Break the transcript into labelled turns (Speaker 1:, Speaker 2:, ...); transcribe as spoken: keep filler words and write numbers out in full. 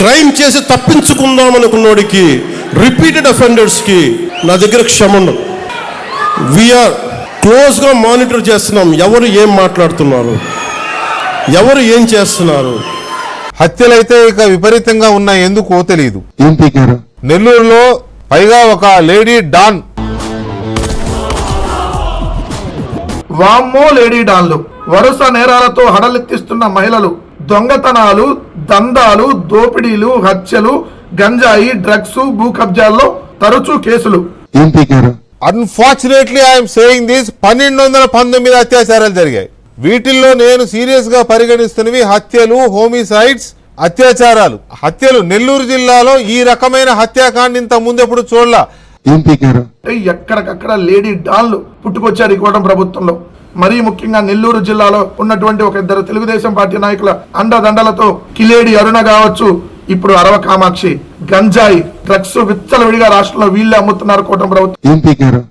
Speaker 1: Crime చేసి తప్పించుకుందాం అనుకున్నోడికి, repeated అఫెండర్స్కి నా దగ్గర క్షమ ఉండదు. వీఆర్ క్లోజ్గా మానిటర్ చేస్తున్నాం ఎవరు ఏం మాట్లాడుతున్నారు, ఎవరు ఏం చేస్తున్నారు.
Speaker 2: హత్యలైతే ఇక విపరీతంగా ఉన్నాయి, ఎందుకో తెలియదు. నెల్లూరులో పైగా ఒక లేడీ డాన్.
Speaker 3: వామ్మో లేడీ డాన్లు, వరుస నేరాలతో హడలెత్తిస్తున్న మహిళలు, దొంగతనాలు, దందాలు, దోపిడీలు, హత్యలు, గంజాయి, డ్రగ్స్, భూ కబ్జాల్లో తరచూ కేసులు.
Speaker 2: అన్ఫార్చునేట్లీ ఐఎమ్ సేయింగ్ దిస్, పన్నెండు వందల పంతొమ్మిది అత్యాచారాలు జరిగాయి. వీటిల్లో నేను సీరియస్ గా పరిగణిస్తున్నవి హత్యలు, హోమిసైడ్స్, అత్యాచారాలు. హత్యలు నెల్లూరు జిల్లాలో ఈ రకమైన హత్యాకాండ ఇంత ముందెప్పుడు చూడలా.
Speaker 3: ఎక్కడికక్కడ లేడీ డాన్లు పుట్టుకొచ్చారు ఈ కూటమి ప్రభుత్వంలో. మరీ ముఖ్యంగా నెల్లూరు జిల్లాలో ఉన్నటువంటి ఒక ఇద్దరు తెలుగుదేశం పార్టీ నాయకుల అండదండలతో కిలేడి అరుణ కావచ్చు, ఇప్పుడు అరవ కామాక్షి, గంజాయి, డ్రగ్స్ విచ్చలవిడిగా రాష్ట్రంలో వీళ్ళే అమ్ముతున్నారు కూటమి ప్రభుత్వం.